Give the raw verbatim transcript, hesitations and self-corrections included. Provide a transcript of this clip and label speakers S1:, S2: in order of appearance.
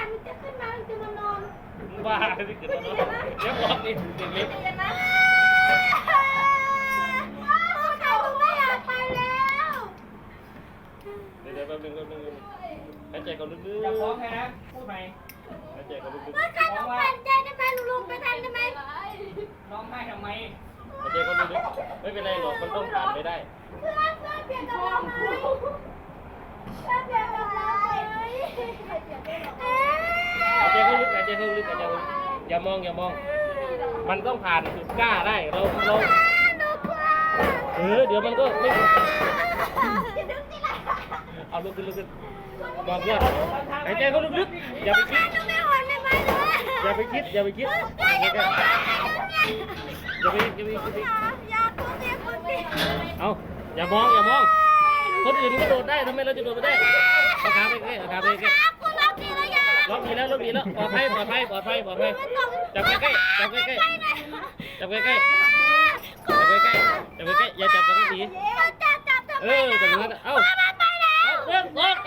S1: มันจะขึ้นมามันจะมานอน
S2: บ้าที่เกิดมาเนาะเดี๋ยวบอกอีกเด็กเล็ก
S1: เดี๋ยวนะเขาไม่อยากไปแล้ว
S2: เดี๋ยวแป๊บนึงแป๊บนึงหายใจก่อนลึกๆ
S3: อย่าฟ้องใครนะพูดใหม่
S2: หายใจก่อนลึก
S1: เมื่อใครต้องปั่นใจได้ไหมลุงลงไปทันได้ไหม
S3: ร้องไห้ทำไม
S2: ๆหายใจก่อนลึกๆไม่เป็นไรหรอกมันต้องผ่านไปได้
S1: เพื่อนเพื่อนเปลี่ยนกับเราไหมเพื่อนเปลี่ยนกับเราไหม
S2: หายใจเข้าลึกหายใจเข้าลึกหายใจเข้าลึกอย่ามองอย่ามอง มันต้องผ่านจุดกล้าได้เราเรา
S1: หนูกลัว
S2: เออเดี๋ยวมันก็ไม่
S1: อย่าดึงสิล่ะ
S2: เอาลุกขึ้นลุกขึ้นบอกเพื่อนหายใจเข้าลึกๆอย่าไปคิด
S1: หนูไม่หวนไม่ไปเลย
S2: อย่าไปคิดอย่าไปคิด
S1: อย่าอย่าอย่า
S2: อย่าไปอย่าไปอย่าไป
S1: อย่าคุณเสียคุณเสีย
S2: เอาอย่ามองอย่ามอง คนอื่นก็โดดได้ทำไมเราจะโดดไม่ได้เอาขาไปใกล้เอาขาไปใกล้
S1: คุณรับดีแล้วยัง
S2: ล็อกดีแล้วล็อกดีแล้วปลอดภัยปลอดภัยปลอดภัยปลอดภัยจับใกล้ๆจับใกล้ๆจับใกล้ๆจับใกล้ๆจับใกล้ๆอย่าจับกันที
S1: จับจับจับ
S2: เออจับอย่างนั้นเอาเอาเริ่มออก